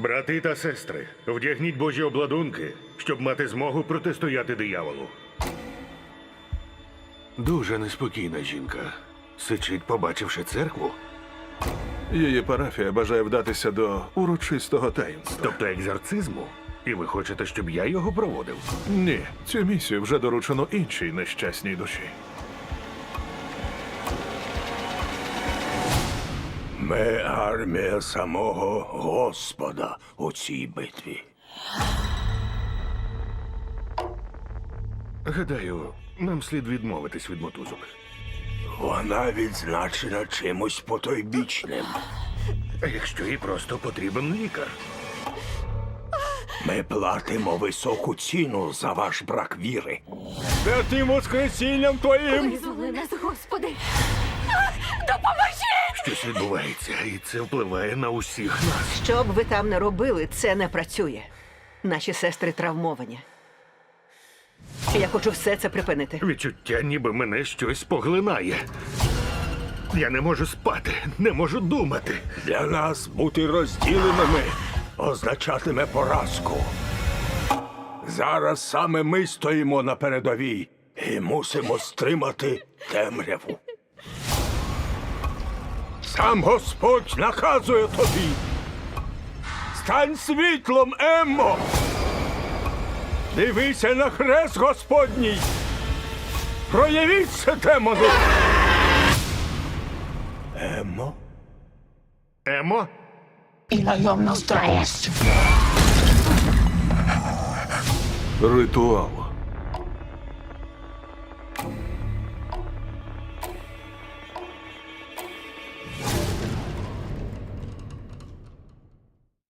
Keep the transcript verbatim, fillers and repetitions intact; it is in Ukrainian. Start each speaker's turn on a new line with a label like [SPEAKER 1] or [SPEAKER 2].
[SPEAKER 1] Брати та сестри, вдягніть божі обладунки, щоб мати змогу протистояти дияволу. Дуже неспокійна жінка. Сичить, побачивши церкву.
[SPEAKER 2] Її парафія бажає вдатися до урочистого таїнства.
[SPEAKER 1] Тобто екзорцизму? І ви хочете, щоб я його проводив?
[SPEAKER 2] Ні, цю місію вже доручено іншій нещасній душі.
[SPEAKER 3] Ми армія самого Господа у цій битві.
[SPEAKER 1] Гадаю, нам слід відмовитись від мотузок.
[SPEAKER 3] Вона відзначена чимось потойбічним.
[SPEAKER 1] А якщо їй просто потрібен лікар?
[SPEAKER 3] Ми платимо високу ціну за ваш брак віри. Святим воскресінням твоїм!
[SPEAKER 4] Визволи нас, Господи! Допоможи!
[SPEAKER 1] Щось відбувається, і це впливає на усіх нас.
[SPEAKER 5] Що б ви там не робили, це не працює. Наші сестри травмовані. Я хочу все це припинити.
[SPEAKER 1] Відчуття, ніби мене щось поглинає. Я не можу спати, не можу думати.
[SPEAKER 3] Для нас бути розділеними означатиме поразку. Зараз саме ми стоїмо на передовій і мусимо стримати темряву. Сам Господь наказує тобі. Стань світлом, Еммо! Дивися на хрест Господній! Проявіться демону! Еммо?
[SPEAKER 1] Емо?
[SPEAKER 2] Ритуал.